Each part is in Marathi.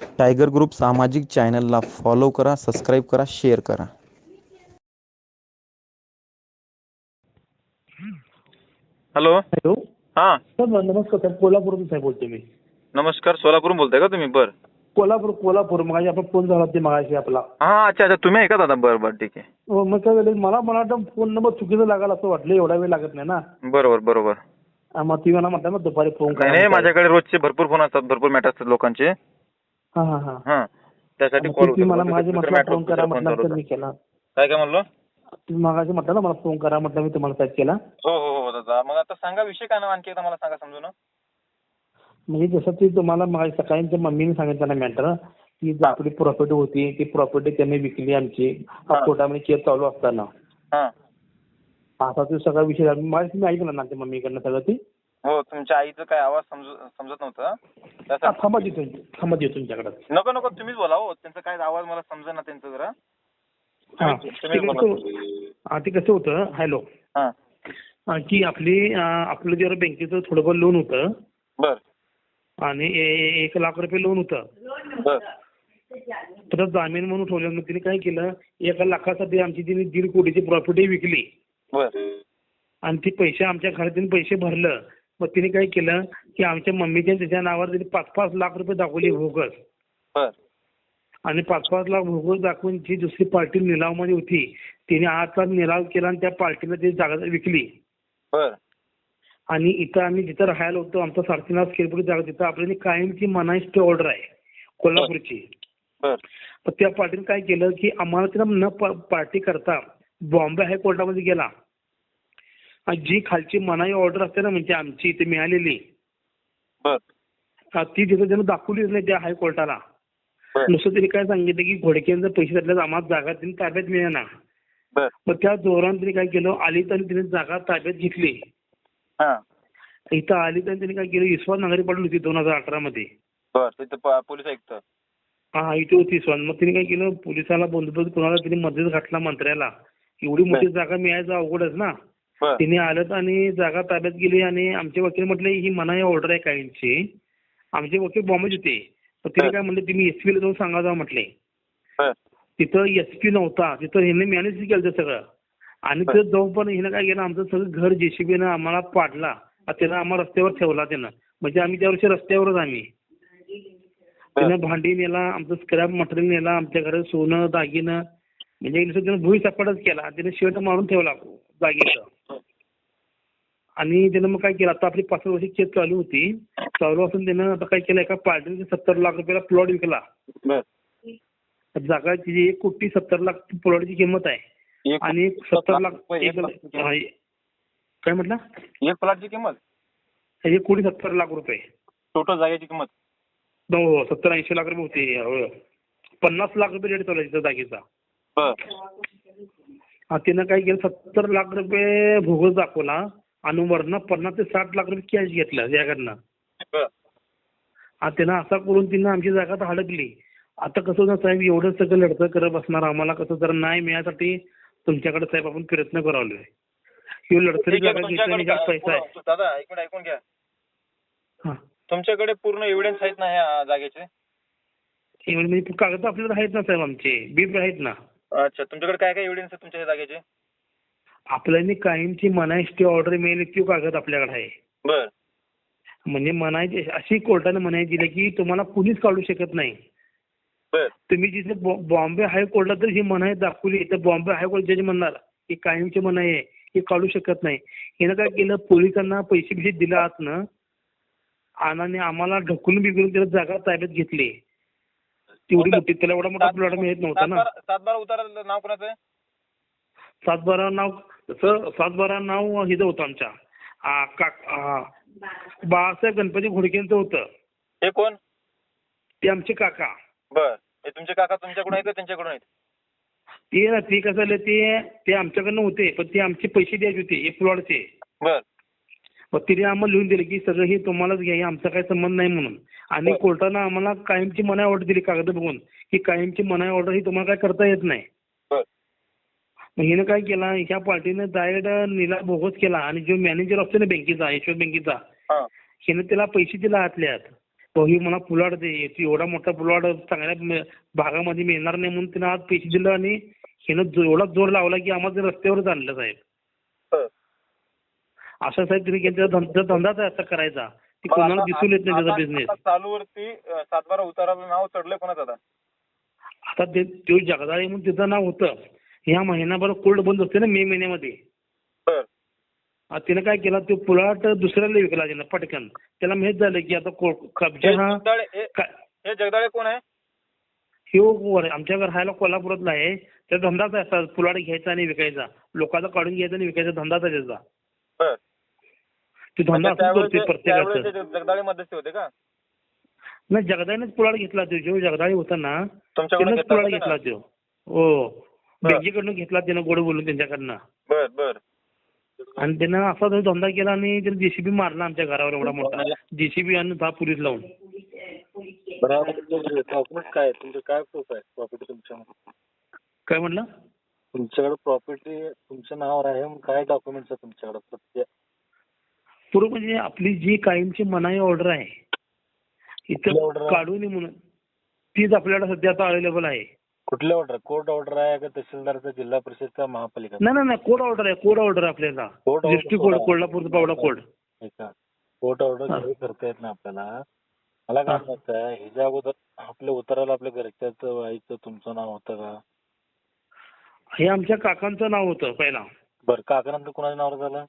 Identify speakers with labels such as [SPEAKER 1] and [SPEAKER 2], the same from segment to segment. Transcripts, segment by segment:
[SPEAKER 1] टायगर ग्रुप सामाजिक चॅनलला फॉलो करा, सबस्क्राईब करा, शेअर करा.
[SPEAKER 2] हॅलो.
[SPEAKER 3] हॅलो.
[SPEAKER 2] हां,
[SPEAKER 3] सर नमस्कार साहेब, कोल्हापूरमधून साहेब बोलतो मी.
[SPEAKER 2] नमस्कार. सोलापूरहून बोलताय का तुम्ही? बरं.
[SPEAKER 3] कोल्हापूर मगाशी आपण फोन झाला ते मगाशी आपला.
[SPEAKER 2] हां, अच्छा अच्छा. तुम्ही आहे का दादा? बरं बरं, ठीक आहे.
[SPEAKER 3] हो, मग काय झालं मला वाटतं फोन नंबर चुकीचा लागला असं वाटलं, एवढा वेळ लागत नाही ना.
[SPEAKER 2] बरोबर बरोबर.
[SPEAKER 3] मग ती मला म्हटलं ना दुपारी फोन
[SPEAKER 2] नाही
[SPEAKER 3] करा.
[SPEAKER 2] नाही, माझ्याकडे रोजचे भरपूर फोन असतात, भरपूर मॅटर असतात लोकांचे.
[SPEAKER 3] हां हां हां.
[SPEAKER 2] हां, त्यासाठी
[SPEAKER 3] मग
[SPEAKER 2] कॉल
[SPEAKER 3] तुम्ही
[SPEAKER 2] होता.
[SPEAKER 3] मला
[SPEAKER 2] दुसरं
[SPEAKER 3] माझे म्हटलं
[SPEAKER 2] मॅटर
[SPEAKER 3] फोन करा
[SPEAKER 2] फोन
[SPEAKER 3] म्हटलं
[SPEAKER 2] चालू
[SPEAKER 3] तर
[SPEAKER 2] होता.
[SPEAKER 3] मी केला.
[SPEAKER 2] काय म्हणलो?
[SPEAKER 3] तुम्ही मगाशी म्हटलं ना मला फोन करा म्हटलं, मी तुम्हाला साहेब केला.
[SPEAKER 2] हो हो हो दादा. मग आता सांगा विषय काय ना, आणखी एकदा मला सांगा समजून.
[SPEAKER 3] म्हणजे जसं की तुम्हाला मगाशी सकाळी त्या मम्मीने सांगितलं ना मॅटर की जी आपली प्रॉपर्टी होती ती प्रॉपर्टी त्यांनी विकली आमची.
[SPEAKER 2] हां.
[SPEAKER 3] कोर्टामध्ये केस चालू असताना
[SPEAKER 2] हां.
[SPEAKER 3] असा तो सगळा विषय झाला. माझी तुम्ही ऐकलं ना त्या मम्मीकडनं सगळं ती.
[SPEAKER 2] हो, तुमच्या आईचं काय आवाज समजत नव्हतं. त्यासाठी
[SPEAKER 3] थांबा देतो तुमच्याकडे.
[SPEAKER 2] नको नको, तुम्हीच बोला हो. त्यांचा काय आवाज मला समजेना त्यांचा जरा.
[SPEAKER 3] हां,
[SPEAKER 2] तुम्हीच बोला.
[SPEAKER 3] ते कसं होतं. हॅलो.
[SPEAKER 2] हां.
[SPEAKER 3] की आपलं जरा बँकेचं थोडंफार लोन होतं
[SPEAKER 2] बर
[SPEAKER 3] आणि 1 लाख रुपये लोन होतं.
[SPEAKER 2] बर
[SPEAKER 3] तर जामीन म्हणून ठेवलं. मग तिने काय केलं, 1 लाखासाठी आमची तिने 1.5 कोटीची प्रॉपर्टी विकली
[SPEAKER 2] बर
[SPEAKER 3] आणि ती पैसे आमच्या घरातून पैसे भरलं. मग तिने काय केलं की आमच्या मम्मीच्या त्याच्या नावावर तिने 5-5 लाख रुपये दाखवले भोगस.
[SPEAKER 2] बर
[SPEAKER 3] आणि 5-5 लाख भोगस दाखवून जी दुसरी पार्टी निलावमध्ये होती तिने 8 लाख निलाव केला आणि त्या पार्टीला ती जागा विकली.
[SPEAKER 2] बर
[SPEAKER 3] आणि इथं आम्ही जिथं राहायला होतो आमचा 3.5 स्क्वेअर फूट जागा, तिथं आपल्याला कायमची मनाई स्टे ऑर्डर आहे कोल्हापूरची.
[SPEAKER 2] बर
[SPEAKER 3] तर त्या पार्टीने काय केलं की आम्हाला तिला न पार्टी करता बॉम्बे हायकोर्टामध्ये गेला. आणि जी खालची मनाई ऑर्डर असते ना म्हणजे आमची इथे मिळालेली
[SPEAKER 2] बर
[SPEAKER 3] ती तिथं त्यानं दाखवलीच नाही त्या हायकोर्टाला.
[SPEAKER 2] बर
[SPEAKER 3] नुसतं त्यांनी काय सांगितलं की घोडक्यांचं पैसे त्यातल्या आम्हाला जागा त्यांनी ताब्यात मिळेना.
[SPEAKER 2] बर
[SPEAKER 3] मग त्या दौरान त्यांनी काय केलं, आली तर तिने जागा ताब्यात घेतली.
[SPEAKER 2] हां.
[SPEAKER 3] इथं आली तर त्यांनी काय केलं, विश्वास नांगरे पडली होती 2018 मध्ये.
[SPEAKER 2] बर तिथं पोलीस आयुक्त.
[SPEAKER 3] हा, इथे होती विश्वास. मग तिने काय केलं, पोलिसाला बंदोबस्त कोणाला तिने मध्येच घातला मंत्र्याला. एवढी मोठी जागा मिळायचं अवघडच ना.
[SPEAKER 2] बर
[SPEAKER 3] तिने आलं आणि जागा ताब्यात गेली आणि आमचे वकील म्हटले ही मनाई ऑर्डर आहे काहींची. आमचे वकील बॉम्बेत होते. तर तिने काय म्हणले तुम्ही एसपीला जाऊन सांगा जा म्हटले.
[SPEAKER 2] बर
[SPEAKER 3] तिथं एसपी नव्हता, तिथं हिने मॅनेज केलं सगळं. आणि तिथं जाऊन पण हिनं काय केलं, आमचं सगळं घर जेसीबीनं आम्हाला पाडला. त्यानं आम्हाला रस्त्यावर ठेवला त्यानं. म्हणजे आम्ही त्या वर्षी रस्त्यावरच आम्ही. त्यानं भांडी नेला, आमचं स्क्रॅप मटेरियल नेला, आमच्या घरात सोनं दागिनं म्हणजे त्यानं भुईसपाटच केला. त्यानं शेट मारून ठेवला जागेचं. आणि त्यानं मग काय केलं, आता आपली 5 वर्षी केस चालू होती. चालू असून त्यानं आता काय केलं, एका पार्टीने 70 लाख रुपयाला प्लॉट विकला.
[SPEAKER 2] बर
[SPEAKER 3] जागा तिची 1,70,00,000 प्लॉटची किंमत आहे. आणि 70 लाख काय म्हटलं,
[SPEAKER 2] एक प्लॉटची किंमत
[SPEAKER 3] 1,70,00,000 रुपये
[SPEAKER 2] टोटल जागेची किंमत.
[SPEAKER 3] हो, 70-80 लाख रुपये होते. 50 लाख रुपये रेट चालू आहे जागेचा.
[SPEAKER 2] बर
[SPEAKER 3] त्यानं काय केलं, 70 लाख रुपये भोगस दाखवला आणि वरनं 50 ते 60 लाख रुपये कॅश घेतलं याकडनं.
[SPEAKER 2] बर
[SPEAKER 3] त्यानं असा करून तिनं आमची जागा तर हडकली. आता कसं होतं साहेब, एवढं सगळं लढतं करत बसणार आम्हाला कसं जरा न्याय मिळण्यासाठी तुमच्याकडे साहेब आपण प्रयत्न करालोय. ही लढतरी जागा घेतली पैसा आहे.
[SPEAKER 2] दादा ऐकून घ्या.
[SPEAKER 3] हा,
[SPEAKER 2] तुमच्याकडे पूर्ण एव्हिडन्स आहेत ना ह्या जागेचे?
[SPEAKER 3] म्हणजे कागद आपल्याला आहेत ना साहेब, आमचे बीप आहेत ना.
[SPEAKER 2] अच्छा, तुमच्याकडे काय काय एव्हिडन्स आहे तुमच्या ह्या जागेचे?
[SPEAKER 3] आपल्याला कायमची मनाई स्टे ऑर्डर मिळेल ती कागद आपल्याकडे आहे.
[SPEAKER 2] बर
[SPEAKER 3] म्हणजे मनाई अशी कोर्टाने मनाई दिली की तुम्हाला कुणीच काढू शकत नाही.
[SPEAKER 2] बर
[SPEAKER 3] तुम्ही जिथे बॉम्बे हायकोर्टला तर ही मनाई दाखवली तर बॉम्बे हायकोर्ट जज म्हणणार की कायमची मनाई आहे, ही काढू शकत नाही. हिनं काय केलं, पोलिसांना पैसे दिले आतनं आणि आम्हाला ढकलून बिघडून त्याला जागा ताब्यात घेतली. तेवढी मोठी, त्याला एवढा मोठा प्लॉट मिळत नव्हता ना.
[SPEAKER 2] 7/12 उतारा नाव कोणाचं आहे?
[SPEAKER 3] 7/12 नाव तसं 7/12 नाव हिचं होतं आमच्या बाळासाहेब गणपती घोडकेंचं होतं.
[SPEAKER 2] हे कोण?
[SPEAKER 3] ते आमचे काका.
[SPEAKER 2] बर, हे तुमचे काका तुमच्याकडून आहेत का त्यांच्याकडून आहेत?
[SPEAKER 3] ते कसं झालं, ते आमच्याकडनं होते पण ते आमचे पैसे द्यायचे होते एक प्लॉटचे.
[SPEAKER 2] बर
[SPEAKER 3] मग तिने आम्हाला लिहून दिले की सगळं हे तुम्हालाच घ्या, हे आमचा काही संबंध नाही म्हणून. आणि कोर्टानं आम्हाला कायमची मनाई ऑर्डर दिली कागद बघून की कायमची मनाई ऑर्डर ही तुम्हाला काय करता येत नाही. मग हिनं काय केला, ह्या पार्टीनं डायरेक्ट निलाव बोगस केला आणि जो मॅनेजर असतो ना बँकेचा, यशवंत बँकेचा, हिनं त्याला पैसे दिला आतल्या आत. तो ही मला पुलाड दे, एवढा मोठा पुलाड चांगल्या भागामध्ये मिळणार नाही म्हणून तिनं आज पैसे दिलं आणि हिनं एवढा जोर लावला की आम्हाला रस्त्यावरच आणलं साहेब.
[SPEAKER 2] बर.
[SPEAKER 3] असं साहेब तिने केलं, धंदाच आहे असा करायचा, ती कोणाला दिसून येत नाही त्याचा बिझनेस.
[SPEAKER 2] चालूवरती 7-12 उताराला नाव चढलंय कोणाचं आता?
[SPEAKER 3] आता ते जगदाळे म्हणून तिचं नाव होतं. ह्या महिनाभर कोल्ड बंद असते ना मे महिन्यामध्ये.
[SPEAKER 2] बर.
[SPEAKER 3] तिनं काय केलं, तो पुलाट दुसऱ्याला विकला तिनं पटकन. त्याला माहित झालं की आता कब्जा हा
[SPEAKER 2] हे जगदाळे कोण आहे?
[SPEAKER 3] ह्यो आमच्या राहायला कोल्हापुरातला आहे. त्याचा धंदाच आहे असा, पुलाट घ्यायचा आणि विकायचा, लोकांचा काढून घ्यायचा आणि विकायचा धंदाच आहे त्याचा.
[SPEAKER 2] बर.
[SPEAKER 3] तो धंदा असंच करतोय प्रत्येकाचं.
[SPEAKER 2] जगदाळे मध्यस्थी होते का?
[SPEAKER 3] नाही, जगदाळेनेच पुलाट घेतला तो. जो जगदाळे होता ना त्यानंच पुलाट घेतला तो. हो, बँकेकडनं घेतला त्यानं, गोड बोलून त्यांच्याकडनं.
[SPEAKER 2] बर बर.
[SPEAKER 3] आणि त्यानं असा जो धंदा केला आणि त्यानं जेसीबी मारला आमच्या घरावर एवढा मोठा, जेसीबी आणि 10 पोलीस लावून.
[SPEAKER 2] डॉक्युमेंट काय तुमचं, काय प्रूफ आहे प्रॉपर्टी तुमच्यामध्ये?
[SPEAKER 3] काय म्हणलं?
[SPEAKER 2] तुमच्याकडे प्रॉपर्टी तुमच्या नावावर आहे, काय डॉक्युमेंट्स आहे तुमच्याकडे सत्य?
[SPEAKER 3] पूर्व म्हणजे आपली जी कायमची मनाई ऑर्डर आहे इथं काढू नये म्हणून, तीच आपल्याला सध्या आता अवेलेबल आहे.
[SPEAKER 2] कुठल्या ऑर्डर? कोर्ट ऑर्डर आहे का तहसीलदारचा, जिल्हा परिषद का महापालिका?
[SPEAKER 3] नाही, कोड ऑर्डर आहे. कोड ऑर्डर आपल्याला, डिस्ट्रिक्ट कोड, कोल्हापूरचा पावडा कोड.
[SPEAKER 2] कोर्ट ऑर्डर करता येत ना आपल्याला. मला काय म्हणायचं आहे, ह्याच्या अगोदर आपल्या उताराला आपल्या घरच्याचं वाईचं तुमचं नाव होतं का?
[SPEAKER 3] हे आमच्या काकांचं नाव होतं पहिला.
[SPEAKER 2] बरं. काकानंतर कोणाच्या नावावर झालं?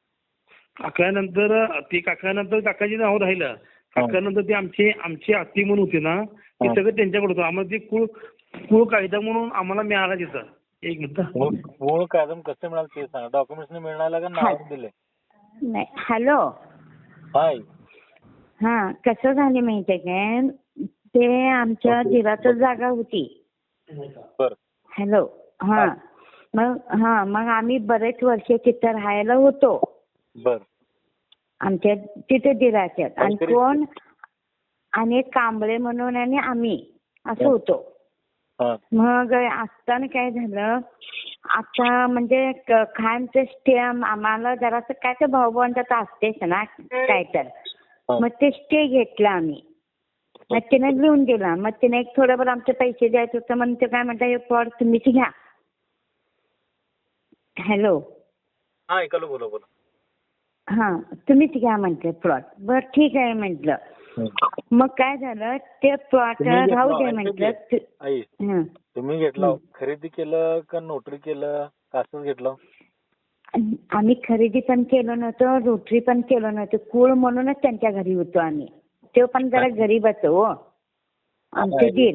[SPEAKER 3] काकानंतर काकाची नाव राहिलं. काकानंतर ते आमची आत्ती म्हणून होती ना, ते सगळं त्यांच्याकडे होतं. आम्हाला ते कुळ कायदा म्हणून आम्हाला मिळाला तिथं. एक मिनिट.
[SPEAKER 2] मूळ कायदा कसं मिळालं ते सांगा. डॉक्युमेंट्स मिळाला का नावावर दिले?
[SPEAKER 4] नाही. हॅलो.
[SPEAKER 2] हाय.
[SPEAKER 4] हा, कसं झाले माहितीये काय, ते आमच्या दिराचं जागा होती.
[SPEAKER 2] बर.
[SPEAKER 4] हॅलो. हा, मग आम्ही बरेच वर्ष तिथं राहायला होतो.
[SPEAKER 2] बर.
[SPEAKER 4] आमच्या तिथे दिराच्यात. आणि कोण आणि कांबळे म्हणून आणि आम्ही असं होतो. मग असताना काय झालं, आता म्हणजे खानचं स्टे आम्हाला जरासं काय तर भाऊभावांच्यात असतेच ना काय तर, मग ते स्टे घेतला आम्ही. मग तिने लिहून दिला. मग तिने एक थोडंफार आमचे पैसे द्यायचं होतं म्हणून ते काय म्हणतात, हे प्लॉट तुम्हीच घ्या. हॅलो.
[SPEAKER 2] हा, ऐकलं. बोला.
[SPEAKER 4] हा, तुम्हीच घ्या म्हटलं प्लॉट. बरं ठीक आहे म्हटलं. मग काय झालं, ते प्लॉट राहू दे म्हटलं.
[SPEAKER 2] तुम्ही घेतला, खरेदी केलं का नोटरी केलं का असंच घेतलं?
[SPEAKER 4] आम्ही खरेदी पण केलं नव्हतं, नोटरी पण केलं नव्हतं. कुळ म्हणूनच त्यांच्या घरी होतो आम्ही. ते पण जरा गरीबच हो आमचे दीर.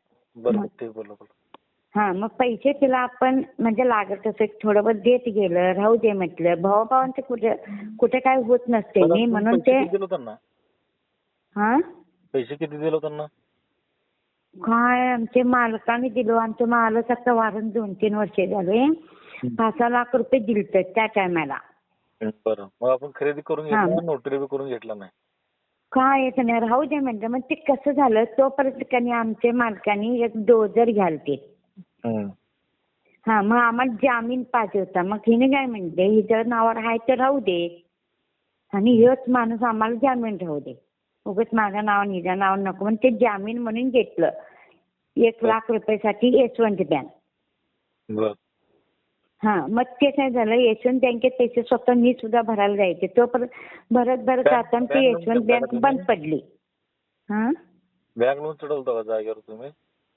[SPEAKER 4] हा, मग पैसे तिला आपण म्हणजे लागत असं थोडं देत गेलं, राहू दे म्हटलं. भावाभावांचे कुठे काय होत नसते नाही म्हणून ते. हा,
[SPEAKER 2] पैसे किती दिलो त्यांना?
[SPEAKER 4] काय आमचे मालकाने दिलो. आमचे मालक आता वारून 2-3 वर्षे झाले. 5-6 लाख रुपये दिलते त्या टायमाला.
[SPEAKER 2] बरं. मग आपण खरेदी करून घेतला, नोटरी बी करून घेतला नाही?
[SPEAKER 4] काय येत नाही, राहू दे म्हणलं. मग ते कसं झालं, तोपर्यंत आमच्या मालकाने एक डोजर घालते. हा, मग आम्हाला जामीन पाहिजे होता. मग हिने काय म्हणते, हिच्या नावावर आहे तर राहू दे आणि हेच माणूस आम्हाला जामीन राहू दे, उगाच माझ्या नावावर हिच्या नावावर नको म्हणून ते जामीन म्हणून घेतलं 1 लाख रुपयासाठी यशवंत बँक. हा, मग ते काय झालं, यशवंत बँकेत पैसे स्वतः मी सुद्धा भरायला जायचे. तो भरत जाताना ती यशवंत बँक बंद पडली. हा,
[SPEAKER 2] बँक लोन चढवलं का जागेवर तुम्ही?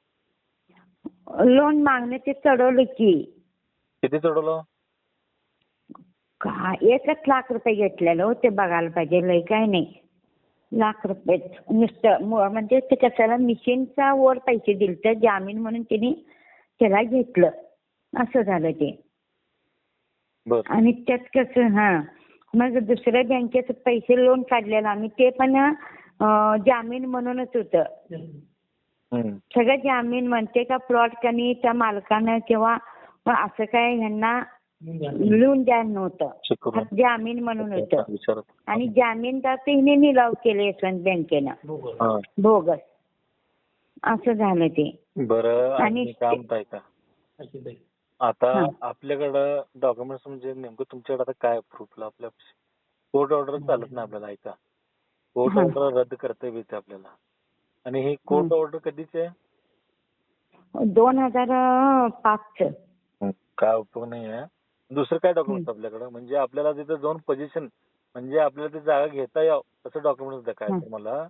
[SPEAKER 4] लोन मागणे ते चढवलं की.
[SPEAKER 2] किती चढवलं?
[SPEAKER 4] काय 1 लाख रुपये घेतलेलं हो. ते बघायला पाहिजे, लय काय नाही. लाख रुपये नुसतं. म्हणजे ते कशाला मिशीनचा वर पैसे दिलते जामीन म्हणून तिने त्याला घेतलं. असं झालं ते. आणि त्यात कसं, मग दुसऱ्या बँकेत पैसे लोन काढलेलं आम्ही, ते पण जामीन म्हणूनच होतं. सगळं जामीन म्हणते का प्लॉट कनी त्या मालकानं किंवा असं काय ह्यांना लिहून द्या नव्हतं, जामीन म्हणून होतं. आणि जामीनदार हिने निलाव केले यशवंत बँकेनं बोगस. असं झालं ते.
[SPEAKER 2] बरं. आणि काम काय का आता आपल्याकडं डॉक्युमेंट्स म्हणजे नेमकं तुमच्याकडे आता काय प्रूफला? आपल्या कोर्ट ऑर्डर चालत नाही आपल्याला. ऐका, कोर्ट
[SPEAKER 4] हा.
[SPEAKER 2] ऑर्डर रद्द करता येते आपल्याला. आणि ही कोर्ट ऑर्डर कधीची आहे?
[SPEAKER 4] 2005
[SPEAKER 2] काय उपयोग नाही आहे. दुसरं काय डॉक्युमेंट आपल्याकडे, म्हणजे आपल्याला तिथे जाऊन पोझिशन, म्हणजे आपल्याला ती जागा घेता यावं असं डॉक्युमेंट काय तुम्हाला?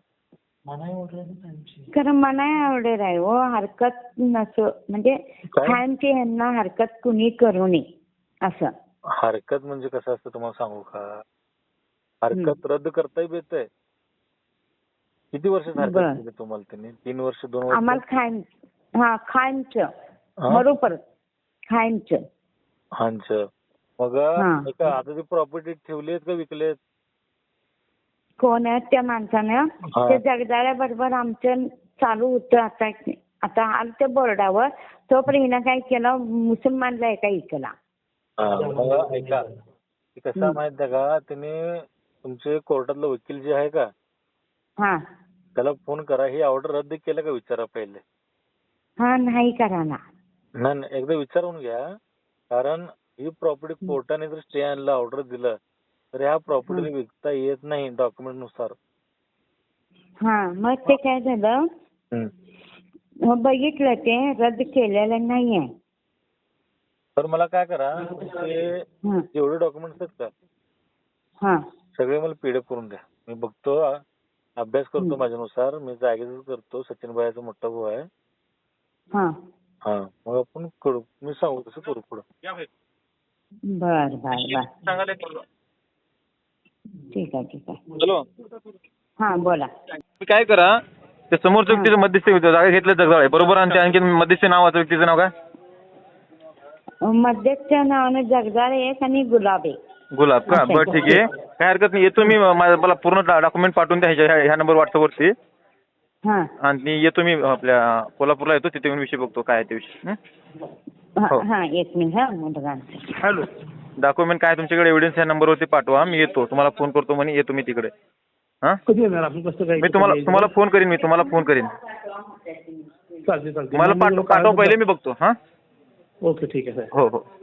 [SPEAKER 4] खरं मनाय ऑर्डर आहे हो, हरकत नसो म्हणजे
[SPEAKER 2] काय?
[SPEAKER 4] खानची ह्यांना हरकत कुणी करू नये असं.
[SPEAKER 2] हरकत म्हणजे कसं असतं तुम्हाला सांगू का? हरकत रद्द करता येते. किती वर्षात
[SPEAKER 4] बरं.
[SPEAKER 2] हरकत दिली तुम्हाला त्यांनी? 3 वर्ष, 2 वर्ष?
[SPEAKER 4] आम्हाला खानचं
[SPEAKER 2] हा?
[SPEAKER 4] बरोबर खानचं.
[SPEAKER 2] हांचं. मग
[SPEAKER 4] हा.
[SPEAKER 2] ऐका, आता ती प्रॉपर्टी ठेवली आहेत का विकलेत?
[SPEAKER 4] कोण आहे त्या माणसानं?
[SPEAKER 2] हा.
[SPEAKER 4] ते जगदाळ्याबरोबर आमचं चालू होतं. आता आलं ते बोर्डावर, तोपर्यंत हिनं काय केलं, मुसलमानला एका इकला.
[SPEAKER 2] मग ऐका, ते कसं आहे माहित आहे का, त्याने तुमचे कोर्टातलं वकील जे आहे का,
[SPEAKER 4] हा
[SPEAKER 2] त्याला फोन करा, ही ऑर्डर रद्द केलं का विचारा पहिले.
[SPEAKER 4] हा नाही कराना.
[SPEAKER 2] नाही, एकदा विचारून घ्या. कारण ही प्रॉपर्टी कोर्टाने जर स्टे आणला, ऑर्डर दिलं, तर ह्या प्रॉपर्टीला विकता येत नाही डॉक्युमेंट नुसार.
[SPEAKER 4] हा मग ते काय झालं, मग बघितलं ते रद्द केलेलं नाहीये.
[SPEAKER 2] तर मला काय करा, ते
[SPEAKER 4] हा
[SPEAKER 2] जेवढे डॉक्युमेंट्स आहेत का
[SPEAKER 4] हा
[SPEAKER 2] सगळे मला पीडीएफ करून द्या. मी बघतो, अभ्यास करतो माझ्यानुसार. मी जागेच करतो. सचिन भाईचा मोठा भाऊ आहे.
[SPEAKER 4] हा
[SPEAKER 2] हा, मग आपण करू. मी सांगू तसं करू पुढं.
[SPEAKER 4] बर बर बर ठीक आहे ठीक आहे.
[SPEAKER 5] हॅलो,
[SPEAKER 4] हा बोला.
[SPEAKER 5] तुम्ही काय करा, त्या समोरच्या व्यक्तीचं मध्यस्थी जागा घेतलं जगदाळे बरोबर, आणि त्या आणखी मध्यस्थी नावाचं व्यक्तीचं नाव काय?
[SPEAKER 4] मध्यस्थच्या नावानं जगदाळे एक आणि गुलाब एक.
[SPEAKER 5] गुलाब का? बरं ठीक आहे, काय हरकत नाही. येतो मी, मला पूर्ण डॉक्युमेंट पाठवून द्या ह्या नंबर व्हॉट्सअपवरती.
[SPEAKER 4] हा
[SPEAKER 5] आणि येतो मी आपल्या कोल्हापूरला, येतो तिथे येऊन विषय बघतो काय आहे ते विषय. हो.
[SPEAKER 4] हा एक मिनिट हा मुलगा.
[SPEAKER 5] हॅलो, डॉक्युमेंट काय तुमच्याकडे एव्हिडन्स ह्या नंबरवरती पाठवा, मी येतो. तुम्हाला फोन करतो म्हणे, येतो मी तिकडे. हा,
[SPEAKER 3] कधी येणार आपण, कसं काय?
[SPEAKER 5] मी तुम्हाला फोन करीन.
[SPEAKER 3] चालते
[SPEAKER 5] मला पाठवा पहिले, मी बघतो. हा
[SPEAKER 3] ओके ठीक आहे साहेब.
[SPEAKER 5] हो हो.